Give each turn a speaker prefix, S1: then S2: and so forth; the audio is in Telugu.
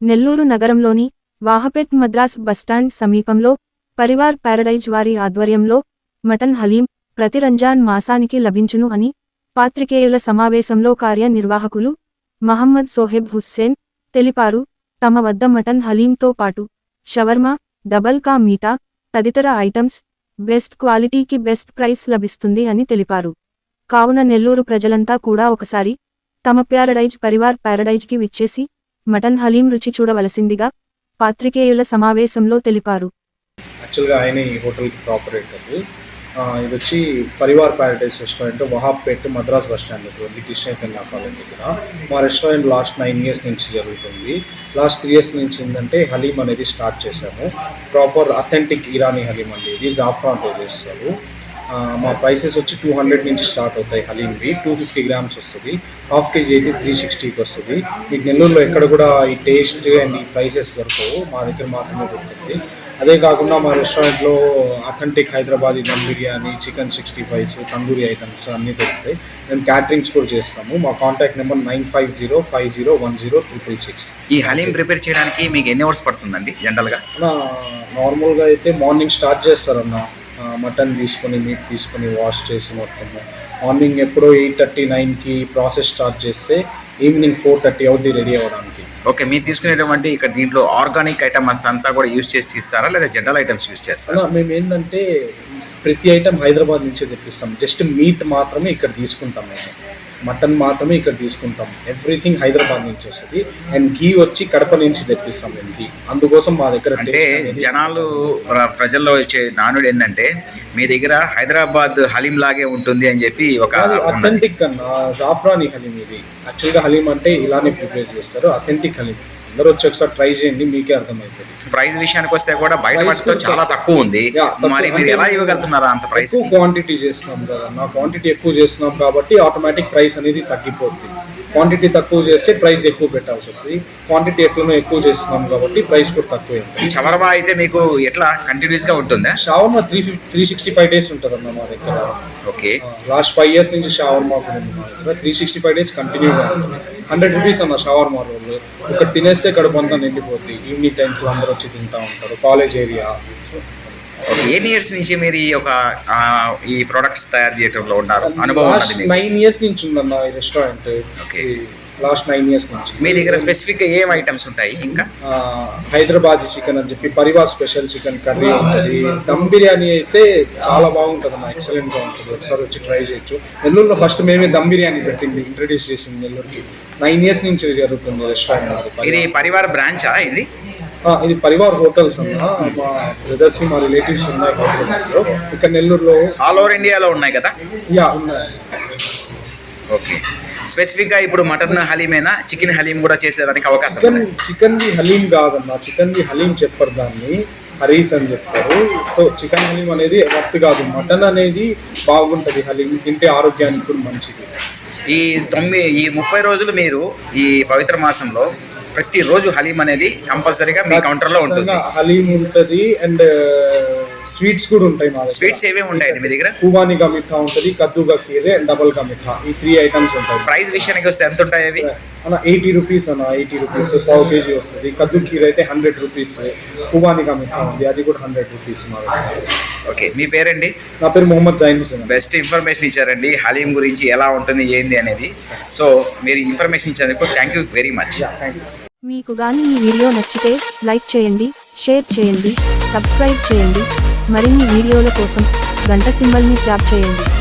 S1: నెల్లూరు నగరంలోని వాహపేట్ మద్రాస్ బస్టాండ్ సమీపంలో పరివార్ ప్యారడైజ్ వారి ఆధ్వర్యంలో మటన్ హలీం ప్రతి రంజాన్ మాసానికి లభించును అని పాత్రికేయుల సమావేశంలో కార్యనిర్వాహకులు మహమ్మద్ సోహెబ్ హుస్సేన్ తెలిపారు. తమ వద్ద మటన్ హలీంతో పాటు షవర్మా, డబల్ కా మీఠా తదితర ఐటమ్స్ బెస్ట్ క్వాలిటీకి బెస్ట్ ప్రైస్ లభిస్తుంది అని తెలిపారు. కావున నెల్లూరు ప్రజలంతా కూడా ఒకసారి తమ ప్యారడైజ్ పరివార్ ప్యారడైజ్కి విచ్చేసి మటన్ హలీం రుచి చూడవలసిందిగా పాత్రికేయుల సమావేశంలో తెలిపారు.
S2: యాక్చువల్గా ఆయన ఈ హోటల్కి ప్రాపరేటర్. ఇది వచ్చి Parivar paradise restaurant, Wahabpet Madras bus stand దగ్గర కృష్ణ కాలేజ్ దగ్గర. మా రెస్టారెంట్ లాస్ట్ 9 years నుంచి జరుగుతుంది. లాస్ట్ 3 years నుంచి ఏంటంటే హలీం అనేది స్టార్ట్ చేశాము. ప్రాపర్ అథెంటిక్ ఇరానీ హలీం అండి. ఇది జాఫ్రాన్తో చేస్తారు. మా ప్రైసెస్ వచ్చి 200 నుంచి స్టార్ట్ అవుతాయి. హలీంవి 250 grams వస్తుంది. ½ kg అయితే 360కి వస్తుంది. మీకు నెల్లూరులో ఎక్కడ కూడా ఈ టేస్ట్ అండ్ ఈ ప్రైసెస్ దొరకవు, మా దగ్గర మాత్రమే దొరుకుతుంది. అదే కాకుండా మా రెస్టారెంట్లో authentic Hyderabadi dum biryani, chicken 65s, tandoori items అన్నీ దొరుకుతాయి. మేము క్యాటరింగ్స్ కూడా చేస్తాము. మా కాంటాక్ట్ నెంబర్ 9505010666.
S3: ఈ హలీం ప్రిపేర్ చేయడానికి మీకు ఎన్ని అవర్స్ పడుతుందండి జనరల్గా?
S2: నార్మల్గా అయితే మార్నింగ్ స్టార్ట్ చేస్తారన్న. మటన్ తీసుకొని, మీట్ తీసుకొని వాష్ చేసి మొత్తము మార్నింగ్ ఎప్పుడో 8:30-9కి ప్రాసెస్ స్టార్ట్ చేస్తే ఈవినింగ్ 4:30 అవుతుంది రెడీ అవ్వడానికి.
S3: ఓకే, మీరు తీసుకునేటువంటి ఇక్కడ దీంట్లో ఆర్గానిక్ ఐటమ్స్ అంతా కూడా యూజ్ చేసి తీస్తారా లేదా జనరల్ ఐటమ్స్ యూజ్ చేస్తారా?
S2: మేము ఏంటంటే ప్రతి ఐటమ్ హైదరాబాద్ నుంచే తెప్పిస్తాం. జస్ట్ మీట్ మాత్రమే ఇక్కడ తీసుకుంటాం. మేము మటన్ మాత్రమే ఇక్కడ తీసుకుంటాం. ఎవ్రీథింగ్ హైదరాబాద్ నుంచి వస్తుంది. అండ్ ఘీ వచ్చి కడప నుంచి తెప్పిస్తాం మేము ఘీ. అందుకోసం మా దగ్గర
S3: అంటే జనాలు ప్రజల్లో వచ్చే నానుడు ఏంటంటే మీ దగ్గర హైదరాబాద్ హలీం లాగే ఉంటుంది అని చెప్పి ఒక
S2: అథెంటిక్ అన్న జాఫ్రానీ హలీం. ఇది యాక్చువల్గా హలీం అంటే ఇలానే ప్రిపేర్ చేస్తారు. అథెంటిక్ హలీం అందరూ వచ్చి ఒకసారి ట్రై చేయండి, మీకే అర్థమవుతుంది.
S3: ప్రైస్ విషయానికి వస్తే కూడా బయట వాటితో చాలా తక్కువ ఉంది. మరి మీరు ఎలా ఇవ్వగలుగుతున్నారా అంత ప్రైస్?
S2: క్వాంటిటీ చేస్తున్నాం కదా, నా క్వాంటిటీ ఎక్కువ చేస్తున్నాం కాబట్టి ఆటోమేటిక్ ప్రైస్ అనేది తగ్గిపోతుంది. క్వాంటిటీ తక్కువ చేస్తే ప్రైస్ ఎక్కువ పెట్టాల్సి వస్తుంది. క్వాంటిటీ ఎట్లనో ఎక్కువ చేస్తున్నాం కాబట్టి ప్రైస్ కూడా తక్కువ.
S3: షవర్మా అయితే మీకు ఎట్లా కంటిన్యూస్ గా ఉంటుందా?
S2: షవర్మా 365 days ఉంటుంది అన్న మా దగ్గర.
S3: ఓకే,
S2: లాస్ట్ 5 years నుంచి షవర్మా కూడా ఉంది మా దగ్గర. 365 days కంటిన్యూగా ఉంటుంది. 100 rupees అన్న షవర్మా రోల్. ఇక్కడ తినేస్తే కడుపు అంతా నిండిపోతుంది. ఈవినింగ్ టైంలో అందరూ వచ్చి తింటూ ఉంటారు. College area.
S3: ఎన్ని ఇయర్స్ నుంచి మీరు ఈ ప్రొడక్ట్స్ తయారు చేయడంలో ఉన్నారు? అనుభవం
S2: 9 years నుంచి ఉందన్న ఈ రెస్టారెంట్. లాస్ట్ 9 years నుంచి.
S3: మీ దగ్గర స్పెసిఫిక్ ఏం ఐటమ్స్ ఉంటాయి? ఇంకా
S2: హైదరాబాదీ చికెన్ అని చెప్పి పరివార్ స్పెషల్ చికెన్ కర్రీ ఉంటుంది. దమ్ బిర్యానీ అయితే చాలా బాగుంటుంది అన్న, ఎక్సలెంట్గా ఉంటుంది. ఒకసారి వచ్చి ట్రై చేయొచ్చు. నెల్లూరులో ఫస్ట్ మేమే దమ్ బిర్యానీ పెట్టింది, ఇంట్రడ్యూస్ చేసింది నెల్లూరుకి. 9 years నుంచి జరుగుతుంది రెస్టారెంట్.
S3: ఇది పరివార్ బ్రాంచా?
S2: ఇది పరివార్ హోటల్స్ అన్న. మా బ్రదర్స్, మా రిలేటివ్స్ ఉన్నాయి హోటల్లో. ఇక్కడ నెల్లూరులో
S3: ఆల్ ఓవర్ ఇండియాలో ఉన్నాయి కదా?
S2: ఉన్నాయి.
S3: ఓకే, స్పెసిఫిక్గా ఇప్పుడు మటన్ హలీమేనా, చికెన్ హలీం కూడా చేసేదానికి అవకాశం?
S2: చికెన్ది హలీం కాదన్న, చికెన్ది హలీం చెప్పరు, దాన్ని హరీస్ అని చెప్తారు. సో చికెన్ హలీం అనేది వర్త్ కాదు. మటన్ అనేది బాగుంటుంది. హలీం తింటే ఆరోగ్యానికి కూడా మంచిది.
S3: ఈ 30 రోజులు మీరు ఈ పవిత్ర మాసంలో ప్రతిరోజు హలీం అనేది కంపల్సరీగా మీ కౌంటర్లో ఉంటుంది.
S2: హలీం ఉంటుంది అండ్ స్వీట్స్ కూడా ఉంటాయి. మా
S3: స్వీట్స్ ఏమేమి ఉంటాయండి మీ దగ్గర?
S2: ఖుబానీ కా మిఠా ఉంటుంది, కద్దు కా ఖీర్ అండ్ డబల్ కా మిఠా. ఈ 3 items ఉంటాయి.
S3: ప్రైస్ విషయానికి వస్తే ఎంత ఉంటాయి అవి?
S2: అన్న 80 rupees అన్న. 80 rupees ½ kg వస్తుంది. కద్దు ఖీర్ అయితే 100 rupees. ఖుబానీ కా మిఠా ఉంది, అది కూడా 100 rupees మా దగ్గర.
S3: ఓకే, మీ పేరండి?
S2: నా పేరు మొహమ్మద్ జైన్ హుసేన్.
S3: బెస్ట్ ఇన్ఫర్మేషన్ ఇచ్చారండి హలీం గురించి, ఎలా ఉంటుంది ఏంది అనేది. సో మీరు ఇన్ఫర్మేషన్ ఇచ్చినందుకు థ్యాంక్ యూ వెరీ మచ్.
S1: మీకు గాని ఈ వీడియో నచ్చితే లైక్ చేయండి, షేర్ చేయండి, సబ్స్క్రైబ్ చేయండి. మరిన్ని వీడియోల కోసం గంట సింబల్ని ట్యాప్ చేయండి.